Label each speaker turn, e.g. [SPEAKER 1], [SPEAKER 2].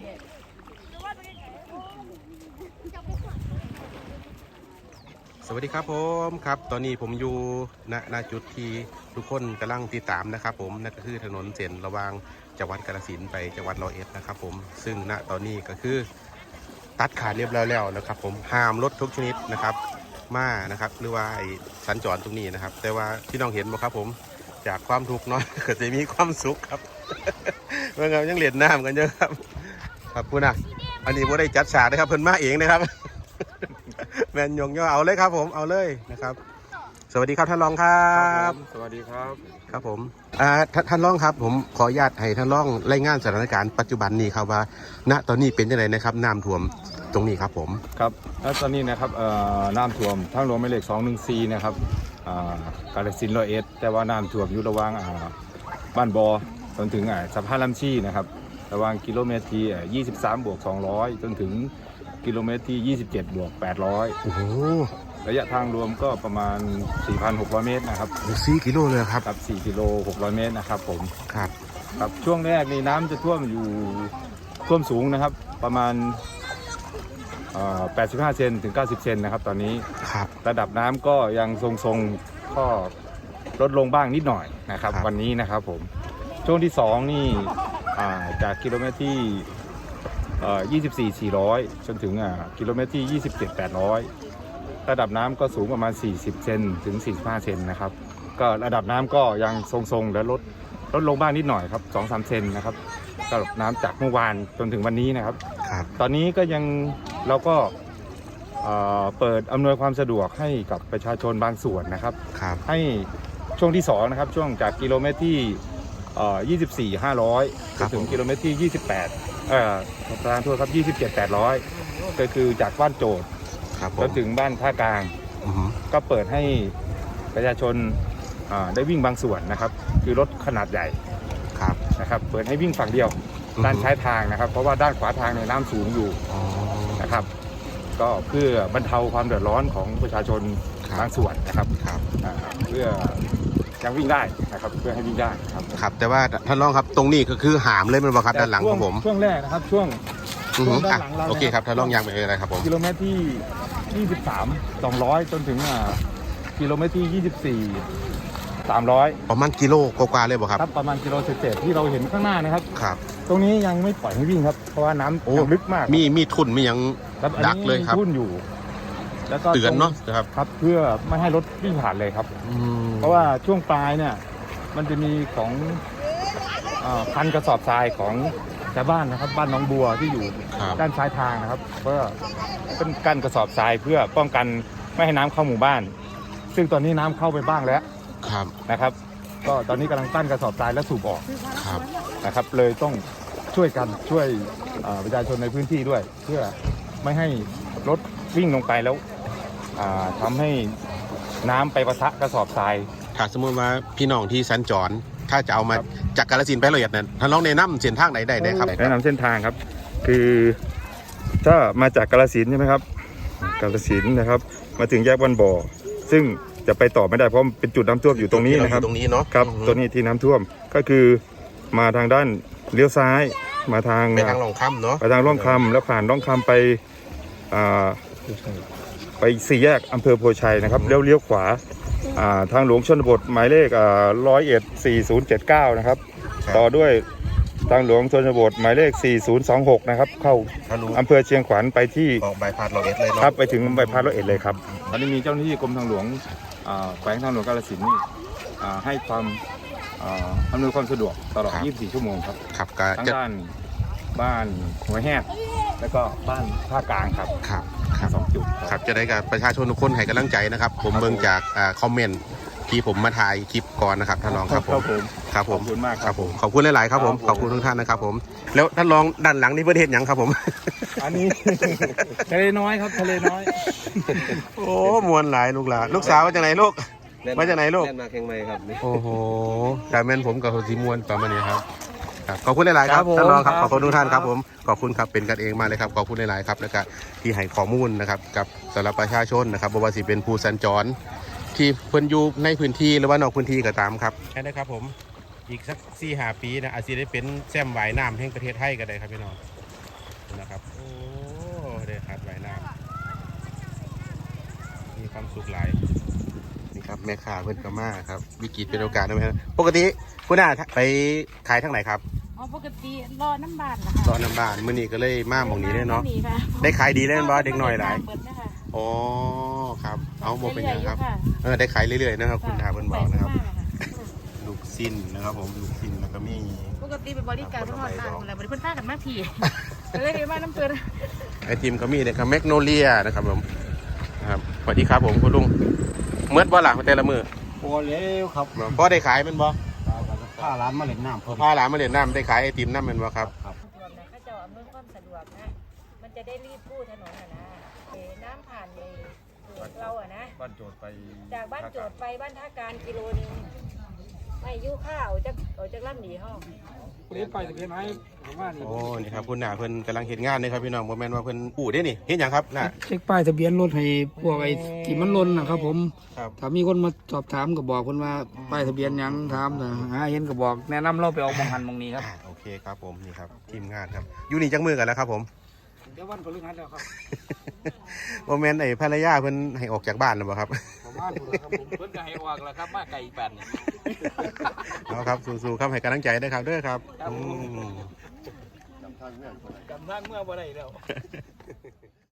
[SPEAKER 1] สวัสดีครับผมครับตอนนี้ผมอยู่ณจุดที่ทุกคนกำลังติดตามนะครับผมนั่นก็คือถนนเส้นระหว่างจังหวัดกาฬสินธุ์ไปจังหวัดร้อยเอ็ดนะครับผมซึ่งณตอนนี้ก็คือตัดขาดเรียบร้อยแล้วนะครับผมห้ามรถทุกชนิดนะครับมานะครับหรือว่าสัญจรตรงนี้นะครับแต่ว่าที่น้องเห็นบ่ครับผมจากความทุกข์น้อยก็จะมีความสุขครับเมื่อไงยังเล่นน้ำกันเยอะครับครับพูดนะอันนี้ผมได้จัดฉากนะครับเพิ่นมาเองนะครับแมนยงย่อเอาเลยครับผมเอาเลยนะครับสวัสดีครับท่านรองครับ
[SPEAKER 2] สวัสดีครับ
[SPEAKER 1] ครับผมท่านรองครับผมขออนุญาตให้ท่านรองรายงานสถานการณ์ปัจจุบันนี้ครับว่าณตอนนี้เป็นยังไงนะครับน้ำท่วมตรงนี้ครับผม
[SPEAKER 2] ครับแล้วตอนนี้นะครับน้ำท่วมทางหลวงหมายเลข214นะครับกาฬสินธุ์ร้อยเอ็ดแต่ว่าน้ำท่วมอยู่ระหว่างบ้านบอจนถึงสะพานลำชีนะครับระหว่างกิโลเมตรที่23+200จนถึงกิโลเมตรที่27+800
[SPEAKER 1] โอ้โห
[SPEAKER 2] ระยะทางรวมก็ประมาณ 4,600 เมตรนะครับ
[SPEAKER 1] 4 กิโลเลยครับ
[SPEAKER 2] ครับ4 กิโล 600 เมตรนะครับผม
[SPEAKER 1] ครับ
[SPEAKER 2] ครับช่วงแรกนี่น้ำจะท่วมอยู่ท่วมสูงนะครับประมาณ85 เซนถึง 90 เซนนะครับตอนนี้ระดับน้ำก็ยังทรงๆก็ลดลงบ้างนิดหน่อยนะครับวันนี้นะครับผมช่วงที่2นี่จากกิโลเมตรที่24,400จนถึงกิโลเมตรที่27,800ระดับน้ำก็สูงประมาณ40 เซนถึง45 เซนนะครับก็ระดับน้ำก็ยังทรงๆและลดลงบ้างนิดหน่อยครับ 2-3 เซนนะครับระดับน้ำจากเมื่อวานจนถึงวันนี้นะครับตอนนี้ก็ยังเราก็เปิดอำนวยความสะดวกให้กับประชาชนบางส่วนนะครับให้ช่วงที่2นะครับช่วงจากกิโลเมตรที่24,500ถึงกิโลเมตรที่ประธานโทษครับ27,800ก็คือจากบ้านโจทย์แล้วถึงบ้านท่ากลางก็เปิดให้ประชาชนได้วิ่งบางส่วนนะครับคือรถขนาดใหญ่นะครับเปิดให้วิ่งฝั่งเดียวด้านซ้ายทางนะครับเพราะว่าด้านขวาทางในน้ำสูงอยู่นะครับก็เพื่อบรรเทาความเดือดร้อนของประชาชนบางส่วนนะครับเพื่อยังวิ่งได้นะครับเพื่อให้วิ่งได้
[SPEAKER 1] ครับแต่ว่าท่านรองครับตรงนี้ก็คือหามเลยมันบ่ครับด้านหลังของผม
[SPEAKER 2] ช่วงแรกนะครับช่วงด้านหลังเรา
[SPEAKER 1] โอเคครับท่านรองยังไปอะไรครับผม
[SPEAKER 2] กิโลเมตรที่23,200จนถึงกิโลเมตรที่24,300
[SPEAKER 1] ประมาณกิโลกว่าเลยบ่ครับ
[SPEAKER 2] ประมาณกิโลเศษที่เราเห็นข้างหน้านะครับตรงนี้ยังไม่ปล่อยให้วิ่งครับเพราะว่าน้ำลึกมาก
[SPEAKER 1] มีทุ่นมียังดักเลยครับ
[SPEAKER 2] ทุ่นอยู่แล้วก็
[SPEAKER 1] เตือนเนาะ
[SPEAKER 2] ครับเพื่อไม่ให้รถวิ่งผ่านเลยครับเพราะว่าช่วงปลายเนี่ยมันจะมีของพันกระสอบทรายของชาวบ้านนะครับบ้านหนองบัวที่อยู่ด้านซ้ายทางนะครับเพื่อเป็นกั้นกระสอบทรายเพื่อป้องกันไม่ให้น้ำเข้าหมู่บ้านซึ่งตอนนี้น้ำเข้าไปบ้างแล้วนะครับก็ตอนนี้กำลังตั้นกระสอบทรายและสูบออกนะครับเลยต้องช่วยกันช่วยประชาชนในพื้นที่ด้วยเพื่อไม่ให้รถวิ่งลงไปแล้วทำให้น้ำไปปะทะกระสอบทราย
[SPEAKER 1] ถ้าสมมติว่าพี่น้องที่สัญจรถ้าจะเอามาจากกาฬสินธุ์ไปร้อยเอ็ดนั้นท่านลองแนะนำเส้นทางไหนได้ครับ
[SPEAKER 2] แนะนำเส้นทางครับคือถ้ามาจากกาฬสินธุ์ใช่ไหมครับกาฬสินธุ์นะครับมาถึงแยกบ้านบ่อซึ่งจะไปต่อไม่ได้เพราะเป็นจุดน้ำท่วมอยู่ตรงนี้นะครับ
[SPEAKER 1] ตรงนี้เนาะ
[SPEAKER 2] ครับตัวนี้ที่น้ำท่วมก็คือมาทางด้านเลี้ยวซ้ายมาทาง
[SPEAKER 1] ร่องคำเนาะ
[SPEAKER 2] ไปทางร่องคำแล้วผ่านร่องคำไป4 แยกอำเภอโพชัยนะครับเลี้ยวขวาทางหลวงชนบทหมายเลข1014079นะครับต่อด้วยทางหลวงชนบทหมายเลข4026นะครับเข้าอำเภอเชียงขวัญไปที่
[SPEAKER 1] ใบพัดร้อยเอ็ดเลย
[SPEAKER 2] ครับไปถึงใบพัดร้อยเอ็ดเลยครับตอนนี้มีเจ้าหน้าที่กรมทางหลวงแขวงทางหลวงกาฬสินธุ์ให้ความอำนวยความสะดวกตลอด24 ชั่วโมงครับทั้งด้านบ้านหัวแหกแล้วก็บ้านท่ากลางครับ2 จุด
[SPEAKER 1] ครับจะได้กับประชาชนทุกคนให้กำลังใจนะครับผมเบิ่งจากคอมเมนต์ที่ผมมาถ่ายคลิปก่อนนะครับท่านรองครับผม
[SPEAKER 2] ขอบคุณมากครับผม
[SPEAKER 1] ขอบคุณหลายๆครับผมขอบคุณทุกท่านนะครับผมแล้วท่านรองด้านหลังนี่ประเทศยังครับผม
[SPEAKER 2] อันนี้ทะเลน้อยครับทะเลน้อย
[SPEAKER 1] โอ้มวนหลายลูกสาวมาจากไหนลูกมาจากไหนลูก
[SPEAKER 3] มาแข่งไม้ครับ
[SPEAKER 1] โอ้โหแต่แม่นผมกับสีมวนประมาณนี้ครับขอบคุณหลายๆครับท่านรองครับขอบคุณทุกท่านครับผมขอบคุณครับเป็นกันเองมากเลยครับขอบคุณหลายๆครับแล้วก็ที่ให้ข้อมูลนะครับกับสำหรับประชาชนนะครับบ่ว่าสิเป็นผู้สัญจรที่เพิ่นอยู่ในพื้นที่หรือว่านอกพื้นที่ก็ตามครับใช่ได้ครับผมอีกสัก4-5 ปีนะอาจจะได้เป็นแซมว่ายน้ำแห่งประเทศไทยก็ได้ครับพี่น้องนะครับโอ้ได้คัดไว้น้ำมีความสุขหลายนี่ครับแม่ค้าเพิ่นก็มาครับวิกฤตเป็นโอกาสนะแม่ปกติคุณอาไปขายทางไหนครับ
[SPEAKER 3] อ๋อปกติรอน้ำบานนะคะ
[SPEAKER 1] รอน้ำบ้านมื้อนี้ก็เลยมาหม่องนี้เลยเนาะ
[SPEAKER 3] หค่ะ
[SPEAKER 1] ได้ขายดีเลยบ่เด็กน้อยหลาย
[SPEAKER 3] เปิดนะคะ
[SPEAKER 1] อ๋อครับเอาบ่เป็นหยังครับ
[SPEAKER 3] เรื่อยๆอยู่
[SPEAKER 1] ได้ขายเรื่อยๆนะครับ
[SPEAKER 3] ค่ะ
[SPEAKER 1] คุณอาเพิ่นบอกนะครับ
[SPEAKER 3] แปลกมากอะ
[SPEAKER 1] ลูกชิ้นนะครับผมลูกชิ้นแล้วก็มี
[SPEAKER 3] ปกติเป็นบริการเพื่อนหอดบ้านอะไรบริเพื่อนพากันมาพี่ก็เลยมาน้ำเปิด
[SPEAKER 1] ไอติมก็มีนะครับแมกโนเลียนะครับผมนะครับสวัสดีครับผมคุณลุงเมื่อบ่ล่ะแต่ละมือ
[SPEAKER 4] โอ้เล้วครับ
[SPEAKER 1] บ่ได้ขายแมันบ่
[SPEAKER 4] ผ้าร้านมาเล่นน้ำเพิ่ม
[SPEAKER 1] พาหลานมาเล่นน้ำได้ขายไอติมน้ำแมันบ่ครับ
[SPEAKER 4] ครับ
[SPEAKER 3] สะดวกนะข้าเจ้าอำนวยความสะดวกนะ มันจะได้รีบกู้ถนนอ่ะนะน้ำผ่านเลยเราอ่ะนะ
[SPEAKER 2] บ้านโจทย์ไป
[SPEAKER 3] จากบ้านโจทย์ไปบ้านท่าการกิโลนึงไม่ยุ่ข้าวจากลำหนีห้อง
[SPEAKER 4] เล่นไปจะเป็นไงผมว่านี่
[SPEAKER 1] โอ้นี่ครับคุณหน้าเพิ่นกำลังเฮ็ดงานนี่ครับพี่น้องบ่แม่นว่าเพิ่นอู้ได้นี่เฮ็ดหยังครับน่ะ
[SPEAKER 5] เช็คป้ายทะเบียนรถให้พวกไอ้ที่มันหล่นนะครับผม
[SPEAKER 1] ครับ
[SPEAKER 5] ถ้ามีคนมาสอบถามก็บอกคนว่าป้ายทะเบียนหยังถามแต่หาเห็นก็บอกแนะนำเราไปเอามองหันมองนี้ครับ
[SPEAKER 1] โอเคครับผมนี่ครับทีมงานครับอยู่นี่จักมือกันแล้วครับผม
[SPEAKER 5] เดี๋ยววันพฤหัสแล้วครับ
[SPEAKER 1] บ่แม่นไอ้ภรรยาเพิ่นให้ออกจากบ้านแล้วบ่ครับ
[SPEAKER 5] ประมาณนี้ครับผมเพิ่นก็ให้ออกแล้วครับมาไก่แปดนี่
[SPEAKER 1] เอาครับสู้ๆครับให้กำลังใจด้วยครับเด้อครับอืม
[SPEAKER 5] จำทางเมื่อบ่ได้แล้ว